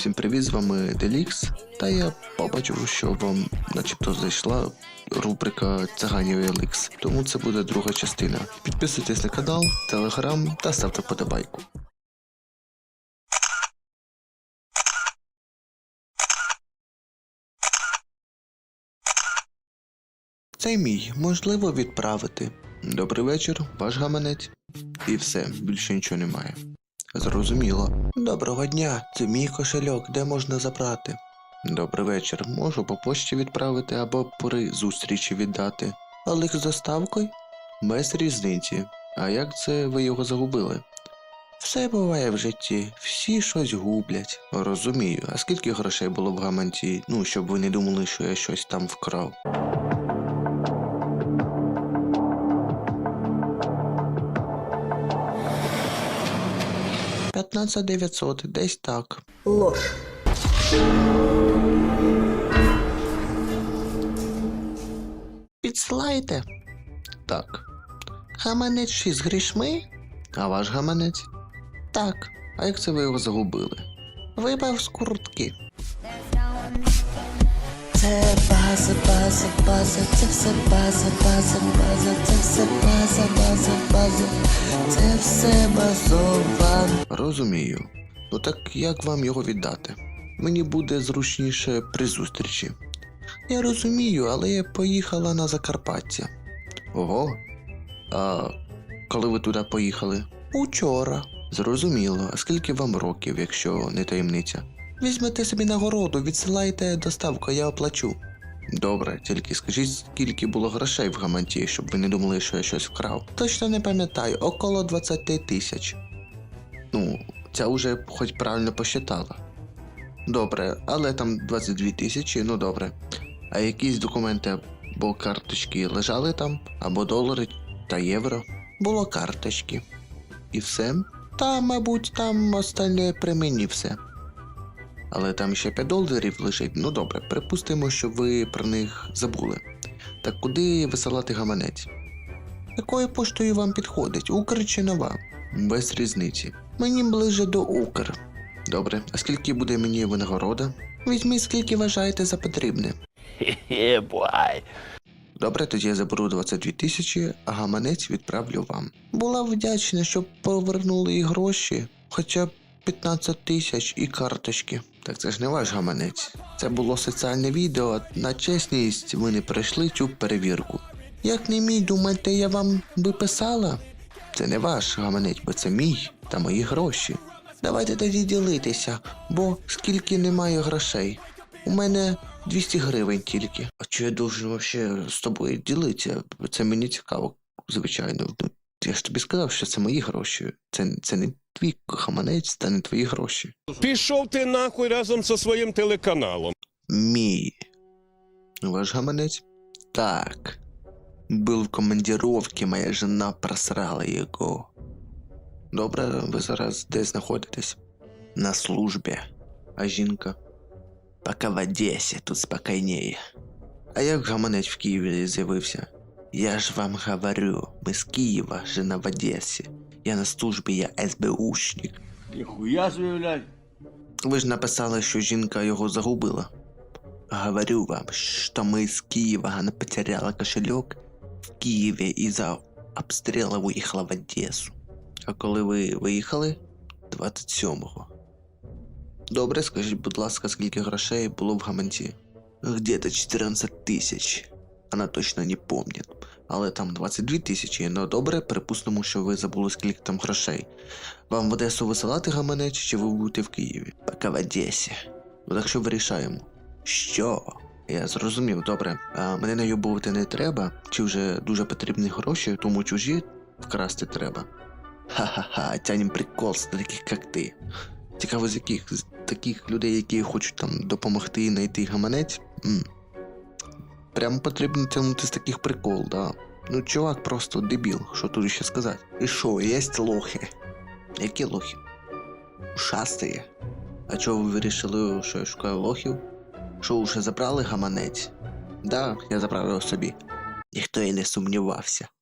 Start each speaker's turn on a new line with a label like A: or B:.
A: Всім привіт, з вами Делікс, та я побачив, що вам начебто зайшла рубрика Циганів і Елікс, тому це буде друга частина. Підписуйтесь на канал, телеграм та ставте вподобайку. Цей мій можливо відправити. Добрий вечір, ваш гаманець. І все, більше нічого немає. Зрозуміло. Доброго дня, це мій кошельок, де можна забрати? Добрий вечір, можу по почті відправити або при зустрічі віддати. Але з доставкою? Без різниці. А як це ви його загубили? Все буває в житті, всі щось гублять. Розумію, а скільки грошей було в гаманці, щоб ви не думали, що я щось там вкрав? 15 900, десь так.
B: Ложь.
A: Підсилаєте? Так. Гаманець 6 з грішми? А ваш гаманець? Так. А як це ви його загубили? Випав з куртки.
B: Це база, це все база, це все база, це все базова.
A: Розумію. Ну так як вам його віддати? Мені буде зручніше при зустрічі. Я розумію, але я поїхала на Закарпаття. Ого. А коли ви туди поїхали? Учора. Зрозуміло. А скільки вам років, якщо не таємниця? Візьмете собі нагороду, відсилайте доставку, я оплачу. Добре, тільки скажіть, скільки було грошей в гаманці, щоб ви не думали, що я щось вкрав. Точно не пам'ятаю, около 20 тисяч. Ця уже хоч правильно посчитала. Добре, але там 22 тисячі, добре. А якісь документи або карточки лежали там? Або долари та євро? Було карточки. І все? Та, мабуть, там остальне при мені все. Але там ще 5 доларів лежить. Добре, припустимо, що ви про них забули. Так куди висилати гаманець? Якою поштою вам підходить? Укр чи Нова? Без різниці. Мені ближе до Укр. Добре, а скільки буде мені винагорода? Візьміть, скільки вважаєте за потрібне. Добре, тоді я заберу 22 тисячі, а гаманець відправлю вам. Була вдячна, щоб повернули і гроші, хоча б 15 тисяч і карточки. Так це ж не ваш гаманець. Це було соціальне відео, на чесність ви не пройшли цю перевірку. Як не мій, думаєте, я вам би писала? Це не ваш гаманець, бо це мій та мої гроші. Давайте тоді ділитися, бо скільки немає грошей. У мене 200 гривень тільки. А чи я должен вообще з тобою ділитися? Це мені цікаво, звичайно. Я ж тобі сказав, що це мої гроші. Це не твій гаманець, та не твої гроші.
C: Пішов ти нахуй разом зі своїм телеканалом.
A: Мій. Ваш гаманець? Так. Был в командировке, моя жена просрала його. Добре, ви зараз де знаходитесь? На службі. А жінка? Поки в Одесі, тут спокійніше. А як гаманець в Києві з'явився? Я ж вам говорю, ми з Києва, жена в Одесі. Я на службі, я СБУшник.
D: Ніхуя заявляй.
A: Ви ж написали, що жінка його загубила. Говорю вам, що ми з Києва, она потеряла кошелек в Києві і за обстріла виїхала в Одесу. А коли ви виїхали? 27-го. Добре, скажіть, будь ласка, скільки грошей було в гаманці? Где-то 14 тисяч. Вона точно не помнить. Але там 22 тисячі, добре, припустимо, що ви забули, скільки там грошей. Вам в Одесу висилати гаманець, чи ви будете в Києві? Поки в Одесі. Так що вирішаємо. Що? Я зрозумів, добре. А мене найобувати не треба? Чи вже дуже потрібні гроші, тому чужі вкрасти треба? Ха-ха-ха, тянем прикол з таких, як ти. Цікаво, з яких? З таких людей, які хочуть там допомогти знайти гаманець? Прямо потрібно тягнути з таких прикол, да. Чувак просто дебіл, що тут ще сказати. І що, є лохи? Які лохи? Ушастые. А чого ви вирішили, що я шукаю лохів? Що, вже забрали гаманець? Да, я забрав його собі. Ніхто і не сумнівався.